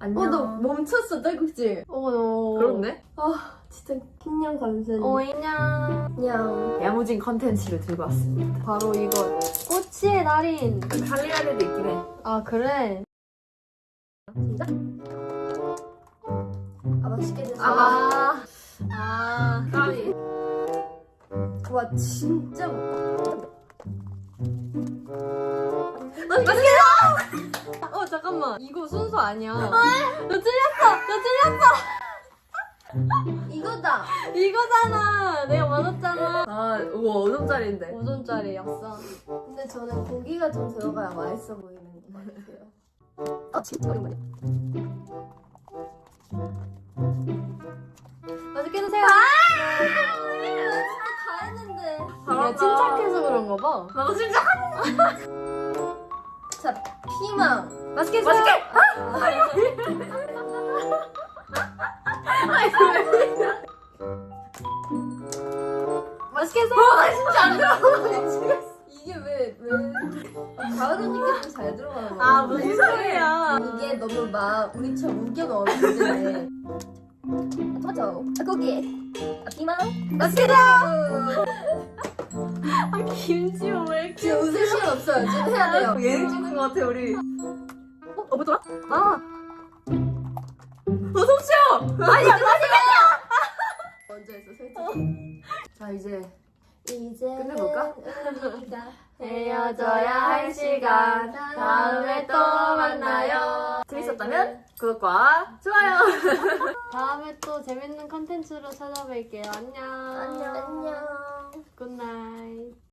안녕. 너 멈췄어, 딸꾹질. 그렇네. 진짜 킹냥 감사해. 안녕. 야무진 컨텐츠를 들고 왔습니다. 바로 이거 꼬치의 달인. 할리갈리도 있긴 해. 아 그래? 시작. 맛있게 드세요. 까비. 와, 진짜 잠깐만. 이거 순서 아니야. 이거다. 이거잖아. 내가 맞았잖아. 우와 5점짜리인데. 5점짜리였어. 근데 저는 고기가 좀 들어가야 맛있어 보이는 것 같아요. 진짜 오랜만에. 맛있게 드세요. 다 했는데. 이게 침착해서 그런가 봐. 나도 진짜. 자, 피망. 맛있게 드세요. 맛있게 드세요. 진짜 안 들어가. 이게 왜 가을 언니께 좀 잘 들어가는 거야? 무슨 소리야. 이게 너무 막 우리처럼 우겨 넣었는데. 토마토, 고기, 피망. 맛있게 드세요. 김지호 왜 이렇게. 지금 웃을 시간 없어요. 지금 해야 돼요. 예능 찍는 것 같아 우리. 뭐더라? 먼저 했어, 솔직히. 자 이제 이제 끝내볼까? 우리가 헤어져야 할 시간. 다음에 또 만나요. 재밌었다면 구독과 좋아요. 다음에 또 재밌는 컨텐츠로 찾아뵐게요. 안녕. 안녕. 굿나잇.